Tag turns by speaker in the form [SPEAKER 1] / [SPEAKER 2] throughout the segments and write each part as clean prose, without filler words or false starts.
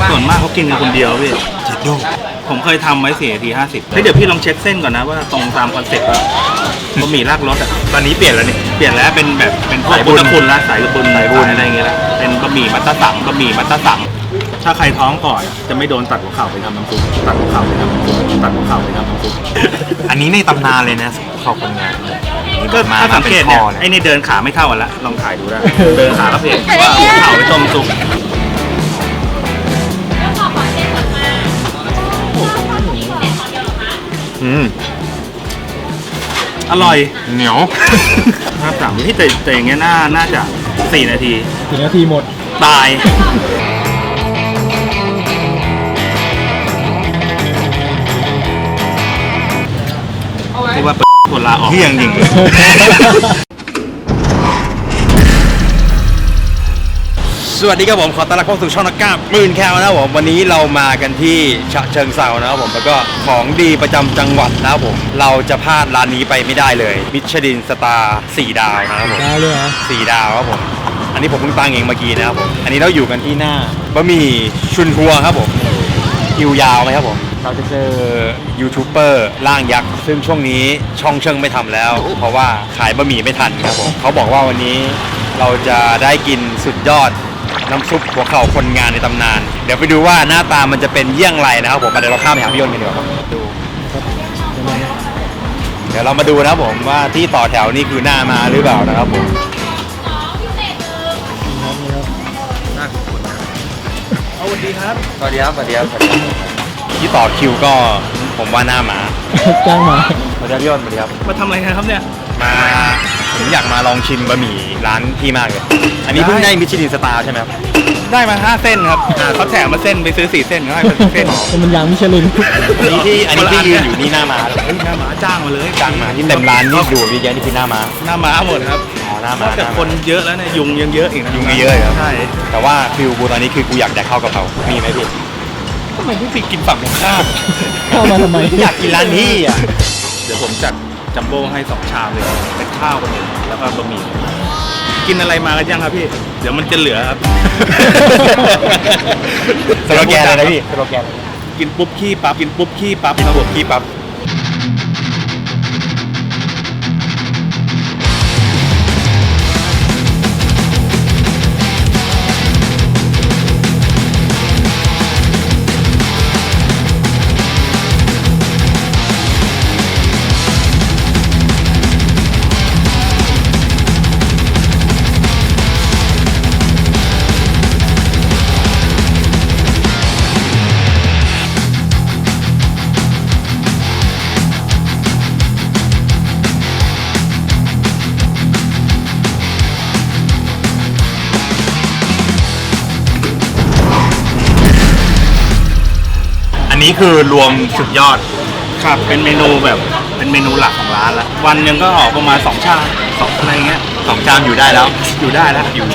[SPEAKER 1] ส่วนมากเขากินกันคนเดียวพี่
[SPEAKER 2] เจ็ดโด
[SPEAKER 1] ผมเคยทำไว้4 นาที 50เฮ้ยเดี๋ยวพี่ลองเช็คเส้นก่อนนะว่าตรงตามคอนเซ็ปต์ว่าบะหมี่รากรสอ่ะ
[SPEAKER 2] ตอนนี้เปลี่ยนแล้วนี่
[SPEAKER 1] เปลี่ยนแล้วเป็นแบบเป็นพวก
[SPEAKER 2] สายบุ
[SPEAKER 1] บุ
[SPEAKER 2] ญ
[SPEAKER 1] ญคุณละสายบุญ
[SPEAKER 2] สายบุญ
[SPEAKER 1] อะไรอย่างเงี้ยละเป็นบะหมี่มัตตสังบะหมี่มัตตสังถ้าใครท้องก่อนจะไม่โดนตัดหัวเข่าไปทำน้ำซุปตัดหัวเข่าไปทำน้ำซุปตัดหัวเข่าไปทำน้ำซุป
[SPEAKER 2] อันนี้ในตำนานเลยนะเข้าคนงาน
[SPEAKER 1] ก็ถ้าสังเกตเนี่ยไอ้นี่เดินขาไม่เท่ากันละลองถ่ายดูได้เดินขาก็เพียงว่าหัวเข่าไปต้มซุปอร่อย
[SPEAKER 2] เหนียว
[SPEAKER 1] 53ที่แต่อย่างเงี้ยน่าจะ4 นาที
[SPEAKER 3] 4 นาทีหมด
[SPEAKER 1] ตายเรียกว่าคนลาออก
[SPEAKER 2] เที่ยงจริงสวัสดีครับผมขอต้อนรับเข้าสู่ช่องนักกล้าหมื่นแคลนะครับผมวันนี้เรามากันที่ฉะเชิงเทรานะครับผมแล้วก็ของดีประจำจังหวัดนะครับผมเราจะพลาดร้านนี้ไปไม่ได้เลยมิชลินสตาร์4 ดาวนะครับผม
[SPEAKER 3] ได้เลยเหรอ
[SPEAKER 2] 4 ดาวครับผมอันนี้ผมเพิ่งตั้งเองเมื่อกี้นะครับผมอันนี้เราอยู่กันที่หน้าบะหมี่ชุนทัวครับผมคิวยาวไหมครับผมเราจะเจอยูทูบเบอร์ร่างยักษ์ซึ่งช่วงนี้ช่องเชิงไม่ทำแล้ว เพราะว่าขายบะหมี่ไม่ทันครับผมเขาบอกว่าวันนี้เราจะได้กินสุดยอดน้ำซุปหัวเข่าคนงานในตำนาน เดี๋ยวไปดูว่าหน้าตามันจะเป็นเยี่ยงไรนะครับผมเดี๋ยวเราข้ามไปหาพี่ยนต์กันดีกว่าครับดูเดี๋ยวเรามาดูนะครับผมว่าที่ต่อแถวนี่คือหน้ามาหรือเปล่านะครับผมสวัสดีครับสวัสดีครับที่ต่อคิวก็ผมว่าหน้ามา
[SPEAKER 3] จ้างมา
[SPEAKER 2] สวัสดีครับพี่ยนต์สวัสดีครับ
[SPEAKER 1] มาทำอะไรกันครับเนี่ย
[SPEAKER 2] มาผมอยากมาลองชิมบะหมี่ร้านพี่มากเลยอันนี้เพิ่งได้มิชลินสตาร์ใช่ไหมครับ
[SPEAKER 1] ได้มา5 เส้นครับเขาแถมมาเส้นไปซื้อ4 เส้นก็ให้เป็นเส้น
[SPEAKER 3] เป็นมันยางมิชลิน
[SPEAKER 2] อันนี้ที่ยืนอยู่นี่หน้ามา
[SPEAKER 1] เฮ้ยหน้าหมาจ้างมาเลย
[SPEAKER 2] จ้างมาที่เต็มร้านนี่ดูเยอะแยะนี่คือหน้ามา
[SPEAKER 1] หน้าหมาหมดครับ
[SPEAKER 2] อ๋อหน้าน มา
[SPEAKER 1] อกจากคนเยอะแล้วเนี่ยยุงยังเยอะอีกนะ
[SPEAKER 2] ยุงเยอะครับ
[SPEAKER 1] ใช่
[SPEAKER 2] แต่ว่าฟิลกูตอนนี้คือกูอยากแดกข้าวกะเพรามีไหมพี่
[SPEAKER 1] ทำไมพี่ฟิกกินฝั่งตรงข้าม
[SPEAKER 3] เข้ามาทำไม
[SPEAKER 2] อยากกินร้านนี้อ่ะ
[SPEAKER 1] เดี๋ยวผมจัดจัมโบ้ให้2 ชามเลยเป็นข้าวคนหนึ่งแล้วก็บะหมี่กินอะไรมากันยังครับพี่เดี๋ยวมันจะเหลือครับ
[SPEAKER 2] สโลแกนเลยนะพี่สโลแกน
[SPEAKER 1] กินปุ๊บขี้ปั๊บกินปุ๊บขี้ปั๊บ
[SPEAKER 2] กินบวกขี้ปั๊บอันนี้คือรวมสุดยอด
[SPEAKER 1] ครับเป็นเมนูแบบเป็นเมนูหลักของร้านละวันหนึ่งก็ออกประมาณ2 ชาม2อะไรเงี้ย
[SPEAKER 2] 2 ชามอยู่ได้แล้ว
[SPEAKER 1] อยู่ได้แล้วอยู่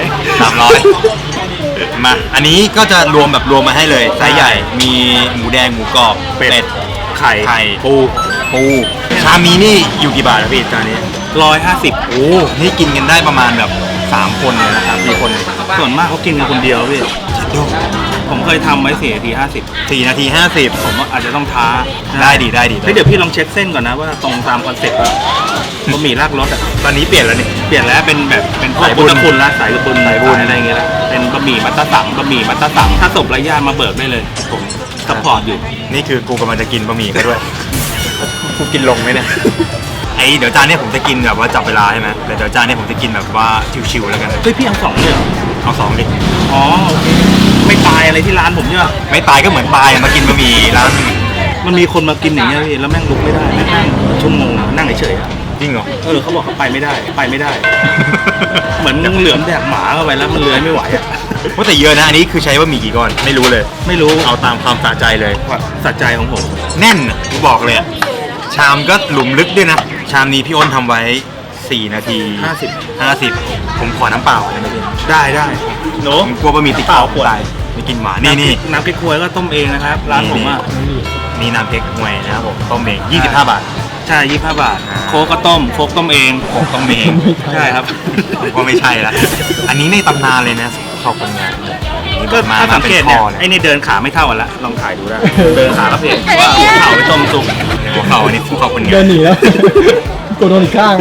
[SPEAKER 2] 300 มาอันนี้ก็จะรวมแบบรวมมาให้เลยไซส์ใหญ่มีหมูแดงหมูกรอบเป็ด
[SPEAKER 1] ไข่
[SPEAKER 2] ไข่ปูชามนี้นี่อยู่กี่บาทครับพี่จานนี้
[SPEAKER 1] 150
[SPEAKER 2] โอ้นี่กินกันได้ประมาณแบบ3 คนเลยนะครับ4 คน
[SPEAKER 1] ส่วนมากเขากินกันคนเดียวพี่
[SPEAKER 2] เจ็ดโด
[SPEAKER 1] ผมเคยทำไว้4 นาที
[SPEAKER 2] 4 นาที 50
[SPEAKER 1] ผมว่าอาจจะต้องท้า
[SPEAKER 2] ได้ดี
[SPEAKER 1] เฮ้ยเดี๋ยวพี่ลองเช็คเส้นก่อนนะว่าตรงตามคอนเซ็ปต์ว่าบะหมี่รากรสอ่ะ
[SPEAKER 2] ตอนนี้เปลี่ยนแล้วนี่
[SPEAKER 1] เปลี่ยนแล้วเป็นแบบเป็นพวก
[SPEAKER 2] สายบุ
[SPEAKER 1] บุ
[SPEAKER 2] ญ
[SPEAKER 1] ญคุณละสายบุญ
[SPEAKER 2] สายบุญ
[SPEAKER 1] อะไรอย่างเงี้ยละเป็นบะหมี่มัตตสังถ้าศพไร้ญาติมาเบิกได้เลยผมซัพพอร์ตอยู่
[SPEAKER 2] นี่คือกูกำลังจะกินบะหมี่เขาด้วย กูกินลงไหมเนี่ยไอเดี๋ยวจานนี้ผมจะกินแบบว่าจับเวลาใช่ไหมแต่เดี๋ยวจานนี้ผมจะกินแบบว่าชิวๆแล้วกัน
[SPEAKER 1] เฮ้ยพี่เอา2เลยเหรอ
[SPEAKER 2] เอา2ดิ
[SPEAKER 1] อ๋อโอเคไม่ตายอะไรที่ร้านผมใช่ปะ
[SPEAKER 2] ไม่ตายก็เหมือนตายมากินบะหมี่ร้าน
[SPEAKER 1] มันมีคนมากินอย่างเงี้ยพี่แล้วแม่งลุกไม่ได้แม่งนั่งชั่วโมงนั่งเฉยๆอะ
[SPEAKER 2] จริงเหรอ
[SPEAKER 1] เขาบอกเขาไปไม่ได้ เหมือนเหลือมแดกหมาเข้าไปแล้วมันเลื้อยไม่ไหวอ่ะ
[SPEAKER 2] ว่าแต่เยอะนะอันนี้คือใช้บะหมี่กี่ก้อนไม่รู้เลย
[SPEAKER 1] ไม่รู้
[SPEAKER 2] เอาตามความสะใจเลย
[SPEAKER 1] สัจใจของผม
[SPEAKER 2] แน่นอะกูบอกเลยอะชามก็หลุมลึกด้วยนะชามนี้พี่อ้นทำไว้4 นาที 50ผมขอน้ำเปล่าได้ไหมพี่
[SPEAKER 1] ได้โน้
[SPEAKER 2] ผมกลัวบะหมี่ติด
[SPEAKER 1] เปล่า
[SPEAKER 2] คอ
[SPEAKER 1] ขวด
[SPEAKER 2] ตายไม่กินหวานนี่
[SPEAKER 1] น้ำพริกควยก็ต้มเองนะครับร้านผมอ่ะ
[SPEAKER 2] นี่น้ำเพกหวยนะครับผมต้มเอง25 บาท
[SPEAKER 1] ใช่25 บาท
[SPEAKER 2] อ่า
[SPEAKER 1] โค้กก็ต้มโค้กต้มเอง
[SPEAKER 2] ผมต้มเอง
[SPEAKER 1] ใช่ครับ
[SPEAKER 2] ผมก็ไม่ใช่ละอันนี้ในตำนานเลยนะข้าวคนงาน
[SPEAKER 1] ก็
[SPEAKER 2] มา
[SPEAKER 1] ถ้าสัง
[SPEAKER 2] เป็น
[SPEAKER 1] เกต
[SPEAKER 2] ค
[SPEAKER 1] เนี่ย
[SPEAKER 2] อเลย
[SPEAKER 1] ไอ้นี่เดินขาไม่เท่ากันละลองถ่ายดูได้ เดินขาก็เพลว่าหัวเข่าไปต้มซุป
[SPEAKER 2] หัวเข่าอันนี้หัวเข่าคนเดีย
[SPEAKER 3] เดิ
[SPEAKER 2] วน
[SPEAKER 3] หนีแล้วกดโดนอีกข้าง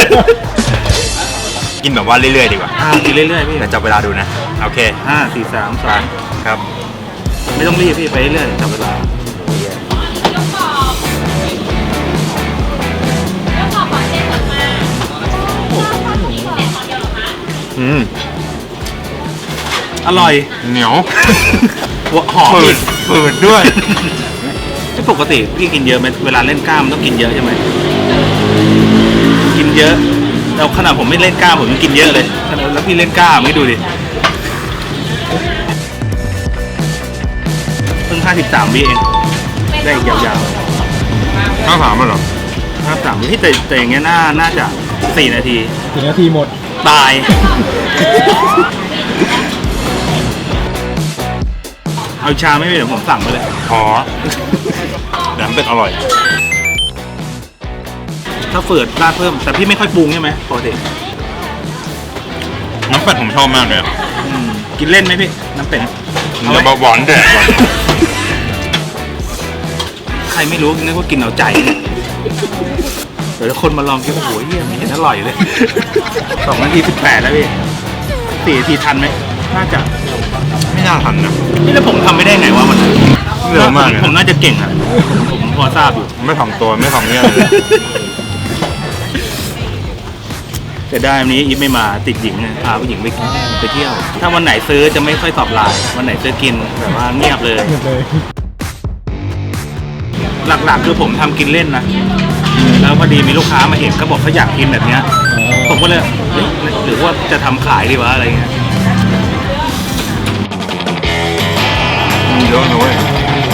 [SPEAKER 2] กินแบบว่าเรื่อยๆดีกว่า
[SPEAKER 1] กินเรื่อยๆพี่
[SPEAKER 2] แต่จับเวลาดูนะโอเค
[SPEAKER 1] 5 4 3 2
[SPEAKER 2] ครับ
[SPEAKER 1] ไม่ต้องรีบพี่ไปเรื่อยๆจับเวลา
[SPEAKER 2] อืม
[SPEAKER 1] อร่อย
[SPEAKER 2] เหนียว
[SPEAKER 1] หัวหอม
[SPEAKER 2] ฝื
[SPEAKER 1] อี
[SPEAKER 2] ด
[SPEAKER 1] ก
[SPEAKER 2] ฝืดด้วย
[SPEAKER 1] ที่ปกติพี่กินเยอะไหมเวลาเล่นกล้ามต้องกินเยอะใช่ไหมกินเยอะแล้วขนาดผมไม่เล่นกล้ามผมยังกินเยอะเลยแล้วพี่เล่นกล้ามไม่ดูดิเพิ่ง53วิเองได้อีกยาว
[SPEAKER 2] ข้าวสามมันเหรอ
[SPEAKER 1] ๆ53วิที่แต่อย่างเงี้ยน่าจะ4 นาที
[SPEAKER 3] ถึงนาทีหมด
[SPEAKER 1] ตาย เอาชาไม่เป็นเดี๋ยวผมสั่งไปเลย
[SPEAKER 2] ขอแหนมเป็ดอร่อย
[SPEAKER 1] ถ้าเฟิร์ดราดเพิ่ม แต่พี่ไม่ค่อยปรุงใช่ไหมปกติ
[SPEAKER 2] น้ำเป็ดผมชอบมากเลยอะ
[SPEAKER 1] กินเล่นไหมพี่ น้ำเป็ดเอา
[SPEAKER 2] เดี๋ยว
[SPEAKER 1] ไหม
[SPEAKER 2] หวานแดดก่อน
[SPEAKER 1] ใครไม่รู้นึกว่ากินเอาใจเนี่ยเดี๋ยวคนมาลองกินโอ้โหเยี่ยมไม่เห็นอร่อยเลย 2 นาที 18 แล้วพี่4 นาทีทันไหมน่าจะ
[SPEAKER 2] ไม่น่าทันนะ
[SPEAKER 1] นี่แล้วผมทำไม่ได้ไงวะมัน
[SPEAKER 2] เร็วมากเลย
[SPEAKER 1] ผมน่าจะเก่งอะผมพอทราบอยู่
[SPEAKER 2] ไม่ถ่อมตัวไม่ถ่อมเนี่ยเลย
[SPEAKER 1] แต่ได้วันนี้อีฟไม่มาติดหญิงไงพาผู้หญิงไปเที่ยว ถ้าวันไหนซื้อจะไม่ค่อยตอบไลน์วันไหนซื้อกินแบบว่าเงียบเลย
[SPEAKER 3] หมดเลย
[SPEAKER 1] หลักๆคือผมทำกินเล่นนะแล้วพอดีมีลูกค้ามาเห็นก็บอกเขาอยากกินแบบเนี้ย
[SPEAKER 3] อ๋อ
[SPEAKER 1] ผมก็เลยเฮ้ยหรือว่าจะทำขายดีวะอะไรเงี้ย
[SPEAKER 2] เยอะนะเว้ย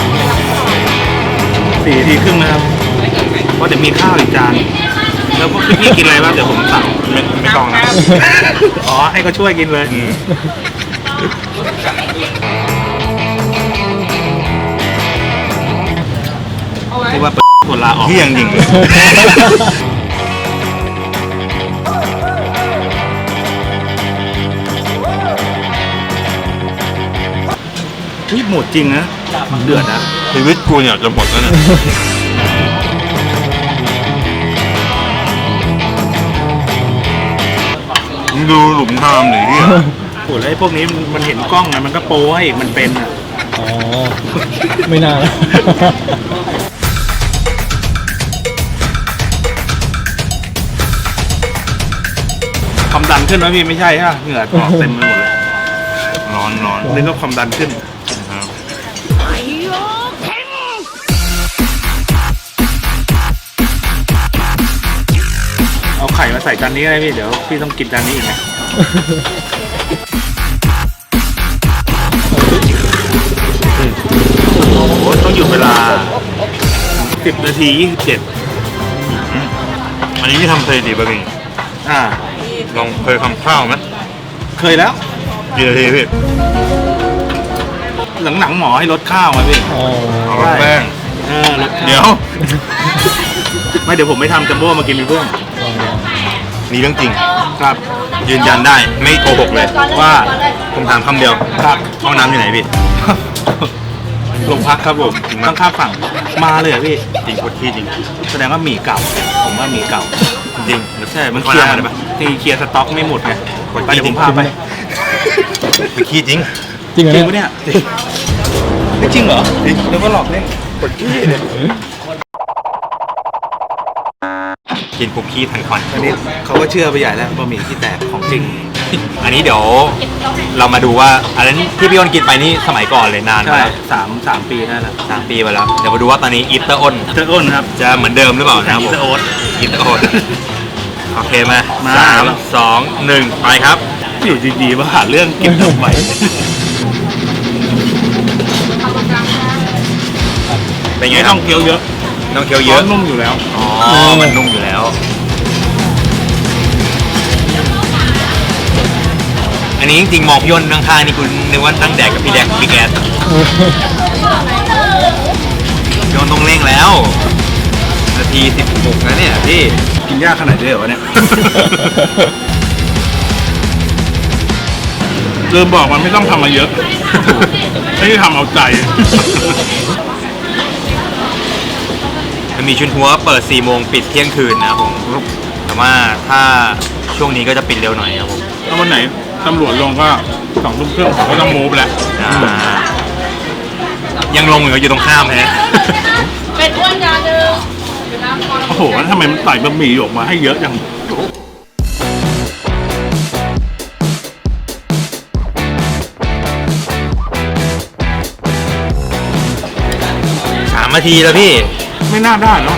[SPEAKER 1] 4 นาทีครึ่งนะครับเพราะเดี๋ยวมีข้าวอีกจานแล้วพวกพี่ๆกินอะไรบ้างเดี๋ยวผมสั่ง
[SPEAKER 2] ไม่ต้องนะ
[SPEAKER 1] อ๋อให้เขาช่วยกินเลยที่ว่าคนลาออก
[SPEAKER 2] เที่ยงจริงเลย
[SPEAKER 1] นี่หมดจริงนะเดือดนะ
[SPEAKER 2] ชีวิตกูเนี่ยจะหมดแล้วเนี่ยมึงดูหลุมทามหน่อยที่
[SPEAKER 1] โหแล้วไอ้พวกนี้มันเห็นกล้องไงมันก็โป้ให้อีกมันเป็นอ่ะ
[SPEAKER 3] อ๋อ ไม่น่าแล้ว
[SPEAKER 1] ความดันขึ้นไหมพี่ไม่ใช่ฮะเหงื่อออกเต็มไปหมดเลย
[SPEAKER 2] ร้อน
[SPEAKER 1] นึกว่าความดันขึ้น
[SPEAKER 2] นะครับ
[SPEAKER 1] เอาไข่มาใส่จานนี้อะไรพี่เดี๋ยวพี่ต้องกินจานนี้อีกนะโอ้โหต้องหยุดเวลา10 นาที
[SPEAKER 2] อันนี้ที่ทำสถิติป่ะพี่
[SPEAKER 1] 27อ่า
[SPEAKER 2] ลองเคยทำข้าวไหม
[SPEAKER 1] เคยแล้ว
[SPEAKER 2] กี่นาทีพี่
[SPEAKER 1] หลังๆหมอให้ลดข้าวมาพี่
[SPEAKER 3] อ๋อ
[SPEAKER 2] เอาลดแป้ง
[SPEAKER 1] ลดข้าว
[SPEAKER 2] เดี๋ยว
[SPEAKER 1] ไม่เดี๋ยวผมไม่ทำจัมโบ้มากินเป็นเพื่อน
[SPEAKER 2] นี่เรื่องจริง
[SPEAKER 1] ครับ
[SPEAKER 2] ยืนยันได้ไม่โกหกเลย
[SPEAKER 1] ว่า
[SPEAKER 2] ผมถามคำเดียว
[SPEAKER 1] ครับ
[SPEAKER 2] ห้องน้ำอยู่ไหนพี่
[SPEAKER 1] โรงพักครับผม
[SPEAKER 2] จริงไหม
[SPEAKER 1] ต้องข้ามฝั่งมาเลยเหรอพี่
[SPEAKER 2] จริงโคตรขี้จริง
[SPEAKER 1] แสดงว่าหมี่เก่า ผมว่าหมี่เก่า
[SPEAKER 2] จริง
[SPEAKER 1] ใช่ มัน
[SPEAKER 2] ขอ
[SPEAKER 1] เคลียร์
[SPEAKER 2] น้ำได้ปะ
[SPEAKER 1] ที่เคลียร์สต็อกไม่หมดไง
[SPEAKER 2] คน
[SPEAKER 1] ไป
[SPEAKER 2] ขี้
[SPEAKER 1] เดี๋ยวผม
[SPEAKER 2] จริง
[SPEAKER 1] พาไป
[SPEAKER 2] ไปขี้จริง
[SPEAKER 3] จริงเหรอ
[SPEAKER 1] จริง
[SPEAKER 3] เนี่ย
[SPEAKER 1] ปะเนี่ยไม่จริงเหรอจริงแล้วก็หลอกเล่น
[SPEAKER 2] คนขี้เนี่ยกินคุกกี้ทันควัน
[SPEAKER 1] อันนี้เขาก็เชื่อไปใหญ่แล้วบะหมี่ที่แตกของจริง
[SPEAKER 2] อันนี้เดี๋ยวเรามาดูว่าอันนั้นที่พี่อ้นกินไปนี่สมัยก่อนเลยนาน
[SPEAKER 1] ใช่
[SPEAKER 2] มาก
[SPEAKER 1] สามปีได้แล้ว
[SPEAKER 2] 3 ปีไปแล้ว เดี๋ยวมาดูว่าตอนนี้อีฟเตอร์อ้น
[SPEAKER 1] เจออ้นครับ
[SPEAKER 2] จะเหมือนเดิมหรือเปล่านะครับ
[SPEAKER 1] อี
[SPEAKER 2] ผม
[SPEAKER 1] สโอ๊ต
[SPEAKER 2] อีฟเตอร์อ้นโอเคมา
[SPEAKER 1] มา
[SPEAKER 2] 3 2 1 ไปครับ
[SPEAKER 1] อยู่ดีๆมาหาเรื่องกินทำไม
[SPEAKER 2] เป็นไง
[SPEAKER 1] ไม่
[SPEAKER 2] ครั
[SPEAKER 1] ต้
[SPEAKER 2] บ
[SPEAKER 1] องเคี้ยวเยอะ
[SPEAKER 2] ต้องเคี้ยว
[SPEAKER 1] เย
[SPEAKER 2] เย
[SPEAKER 1] อะ
[SPEAKER 2] อะ
[SPEAKER 1] นุ่มอยู่แล้ว
[SPEAKER 2] อ๋อ มันนุ่มอยู่แล้ว อันนี้จริงๆมองพี่อ้นข้างๆนี่คุณนึกว่านั่งแดกกับพี่แดกบิ๊กแอสพี่อ้นต้องเร่งแล้ว นาที 16นะเนี่ยพี่
[SPEAKER 1] กินยากขนาดนี้เหรอวะเนี่ยเริ่มบอกมันไม่ต้องทำมาเยอะไม่ได้ทำเอาใจ
[SPEAKER 2] มันมีชุนหัวเปิด 4 โมงปิดเที่ยงคืนนะครับผม แต่ว่าถ้าช่วงนี้ก็จะปิดเร็วหน่อยครับผม
[SPEAKER 1] ถ้าวันไหนตำรวจลงก็2 ทุ่มครึ่งผมก็ต้องมูฟแล้ว
[SPEAKER 2] ยังลงอยู่ตรงข้ามฮะ
[SPEAKER 4] เป็นอ้วนยาเดิม
[SPEAKER 1] โอ้โหแล้วทำไมมันใส่บะหมี่ออกมาให้เยอะจัง
[SPEAKER 2] 3 นาทีแล้วพี่
[SPEAKER 1] ไม่น่าได้เนาะ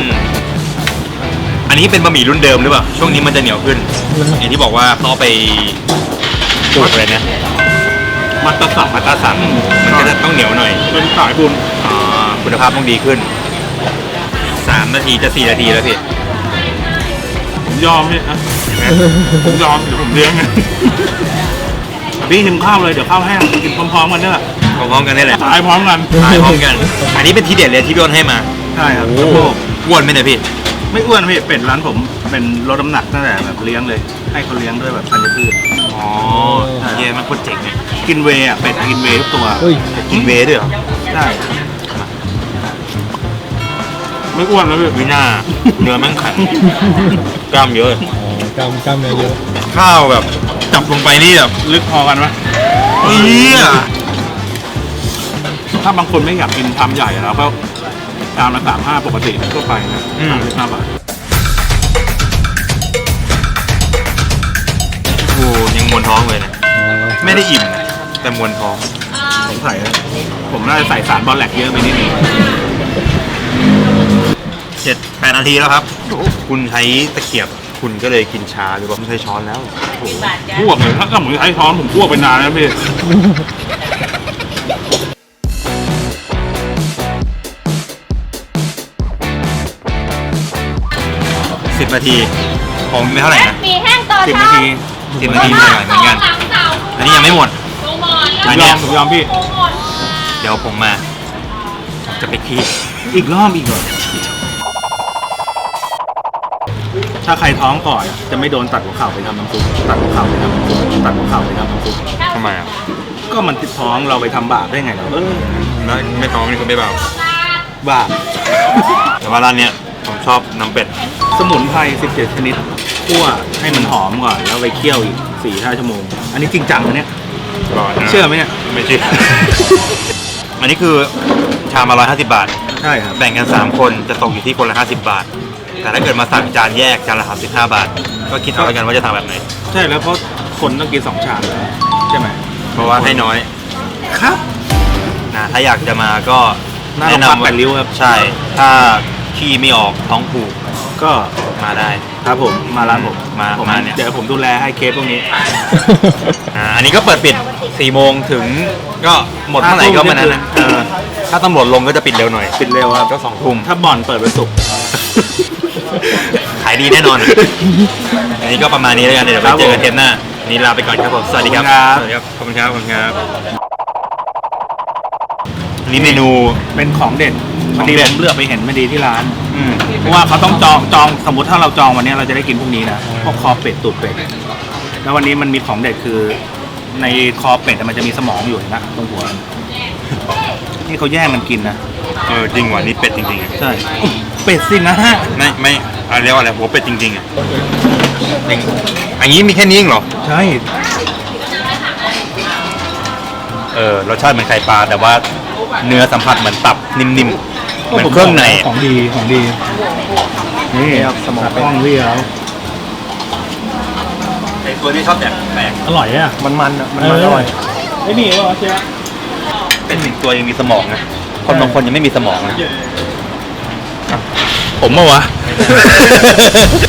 [SPEAKER 2] อันนี้เป็นบะหมี่รุ่นเดิมหรือเปล่า ช่วงนี้มันจะเหนียวขึ้น อย่างที่บอกว่าเขาเอาไปจุดอะไรนะ
[SPEAKER 1] มัตตสับ
[SPEAKER 2] มาตราสันมันก็จะต้องเหนียวหน่อย
[SPEAKER 1] เป็นสายบุญ
[SPEAKER 2] คุณภาพต้องดีขึ้น 3 นาทีจะ 4 นาทีแล้วพี่
[SPEAKER 1] ผมยอมพี่นะผมยอมเดี๋ยวผมเลี้ยงไงพี่กินข้าวเลยเดี๋ยวข้าวแห้งกินพร้อมๆกันเนี่ย
[SPEAKER 2] พร้อมๆกันได้แหละ
[SPEAKER 1] ตายพร้อมกัน
[SPEAKER 2] ทายพร้อมกัน อันนี้เป็นทีเด็ดเลยที่พี่อ้นให้มา
[SPEAKER 1] ใช่ครับ
[SPEAKER 2] โอ้โหอ้วนไหมเนี่ยพี่
[SPEAKER 1] ไม่อ้วนพี่เป็ดร้านผมเป็นลดน้ำหนักตั้งแต่แบบเลี้ยงเลย ให้เขาเลี้ยงด้วยแบบธัญพืช
[SPEAKER 2] อ๋อเย้มันโคตรเจ๋งเลย
[SPEAKER 1] กินเวย์อ่ะเป็ดกินเวย์ทุกตัว
[SPEAKER 3] เฮ้ย
[SPEAKER 2] กินเวย์ด้วยเหรอ
[SPEAKER 1] ใช่ไม่อ้วนแล้วพี่
[SPEAKER 2] วิน่าเนื้อแม่งแข็งกล้ามเยอะ
[SPEAKER 3] อ๋อกล้ามเนื้อเยอะ
[SPEAKER 2] ข้าวแบบจับลงไปนี่แบบ
[SPEAKER 1] ลึกพอกันไหม
[SPEAKER 2] เอี้ย
[SPEAKER 1] ถ้าบางคนไม่อยากกินชามใหญ่เราก็ชามละ35ปกติทั่วไปนะ35 บาท
[SPEAKER 2] โอ้ยังมวนท้องเลยนะ
[SPEAKER 3] อ๋อ
[SPEAKER 2] ไม่ได้อิ่มนะแต่มวนท้อง
[SPEAKER 1] ผมใส่นะผมน่าจะใส่สารบอลแลกเยอะไปนิดนึง
[SPEAKER 2] 7-8 นาทีแล้วครับ คุณใช้ตะเกียบคุณก็เลยกินช้าหรือว่าไม่ใช้ช้อนแล้ว
[SPEAKER 1] พวกเลยถ้าผมใช้ช้อนผมพวกไปนานแล้วพี่
[SPEAKER 2] 10 นาทีของไม่เท่าไหร่นะ
[SPEAKER 4] มีแห้งต่อ
[SPEAKER 1] 10
[SPEAKER 4] เช้า
[SPEAKER 1] นาที
[SPEAKER 2] 10 นาทีเหมือนกัน อันนี้ยังไม่หมด
[SPEAKER 1] ผมยอมผมยอมพี่
[SPEAKER 2] เดี๋ยวผมมาจะไปขี้
[SPEAKER 1] อีกรอบอีกเหรอถ้าใครท้องก่อนจะไม่โดนตัดหัวเข่าไปทำน้ำซุปตัดหัวเข่าไปทำน้ำซุปตัดหัวเข่าไปทำน้ำซุป
[SPEAKER 2] ทำไมอ่ะ
[SPEAKER 1] ก็มันติดท้องเราไปทำบาปได้ไงเรา
[SPEAKER 2] ไม่ท้องนี่ก็ไม่เบา
[SPEAKER 1] บาป
[SPEAKER 2] แต่ว่าร้านเนี้ยผมชอบน้ำเป็ด
[SPEAKER 1] สมุนไพร17 ชนิดคั่วให้มันหอมก่อนแล้วไปเคี่ยวอีก 4-5 ชั่วโมง อันนี้จริงจังนะเนี่ย
[SPEAKER 2] ก่อนนะ
[SPEAKER 1] เชื่อไหมเนี่ย
[SPEAKER 2] ไม่เชื่อ อันนี้คือชามละ150 บาท
[SPEAKER 1] ใช่ครับ
[SPEAKER 2] แบ่งกัน 3 คนจะตกอยู่ที่คนละ50 บาท แต่ถ้าเกิดมาสั่งจานแยกจานละ35 บาท ก็คิดเอาแล้วกันว่าจะทำแบบไหน
[SPEAKER 1] ใช่แล้วเพราะคนต้องกิน2 ชามใช่ไหม
[SPEAKER 2] เพราะว่าให้น้อย
[SPEAKER 1] ครับ
[SPEAKER 2] นะถ้าอยากจะมาก็
[SPEAKER 1] หน้าโรงพยาบาลแปดริ้วครับ
[SPEAKER 2] ใช่ ถ้าขี้ไม่ออกท้องผูก
[SPEAKER 1] ก็
[SPEAKER 2] มาได้
[SPEAKER 1] ครับผมมาร้านผม
[SPEAKER 2] มาเนี่ย
[SPEAKER 1] เดี๋ยวผมดูแลให้เคสพวกนี้
[SPEAKER 2] อันนี้ก็เปิดปิด 4 โมงถึงก็หมดเท่าไหร่ก็มานั้นนะ
[SPEAKER 1] เออ
[SPEAKER 2] ถ้าตำรวจลงก็จะปิดเร็วหน่อย
[SPEAKER 1] ปิดเร็วครับ
[SPEAKER 2] ก็2 ทุ่ม
[SPEAKER 1] ถ้าบ่อนเปิดวันศุกร์
[SPEAKER 2] ขายดีแน่นอน อันนี้ก็ประมาณนี้แล้วกัน เดี๋ยวไปเจอกันเทปหน้าอันนี้ลาไปก่อนครับผม สวัสดีครับ สวัสดีครับ ขอบคุณครับ ขอบคุณครับ อันนี้เมนู
[SPEAKER 1] เป็นของเด็ด
[SPEAKER 2] ของ
[SPEAKER 1] ดี
[SPEAKER 2] เด็
[SPEAKER 1] ผ
[SPEAKER 2] ด
[SPEAKER 1] มเลือกไปเห็นไม่ดีที่ร้าน
[SPEAKER 2] อืม
[SPEAKER 1] เพราะว่าเขาต้องจองสมมติถ้าเราจองวันนี้เราจะได้กินพรุ่งนี้นะพวกคอเป็ดตูดเป็ดแล้ววันนี้มันมีของเด็ดคือ ในคอเป็ดมันจะมีสมองอยู่นะตรงหัวนี่เขาแย่งกันกินนะ
[SPEAKER 2] จริงว่ะนี่เป็ดจริงๆอะ
[SPEAKER 1] ใช่เป็ดสินะฮะ
[SPEAKER 2] ไม่อะไรเรียกว่าอะไรหัวเป็ดจริงๆอ่ะจริงอันนี้มีแค่นี้เองเหรอ
[SPEAKER 1] ใช่
[SPEAKER 2] รสชาติเหมือนไข่ปลาแต่ว่าเนื้อสัมผัสเหมือนตับนิ่มๆ เหมือนเครื่องใน
[SPEAKER 3] ของดีของดี
[SPEAKER 1] นี่ครับสมองป้องพี่เขา
[SPEAKER 2] ไอ้ตัวที่ชอบแปลก
[SPEAKER 3] อร่อยอ่ะ
[SPEAKER 1] มันอ่ะมันอร่อย
[SPEAKER 3] ไอ้นี่ว่าเชีย
[SPEAKER 2] เป็นหนึ่งตัวยังมีสมองนะคนบางคนยังไม่มีสมองนะ
[SPEAKER 1] ผมเมื่อวะ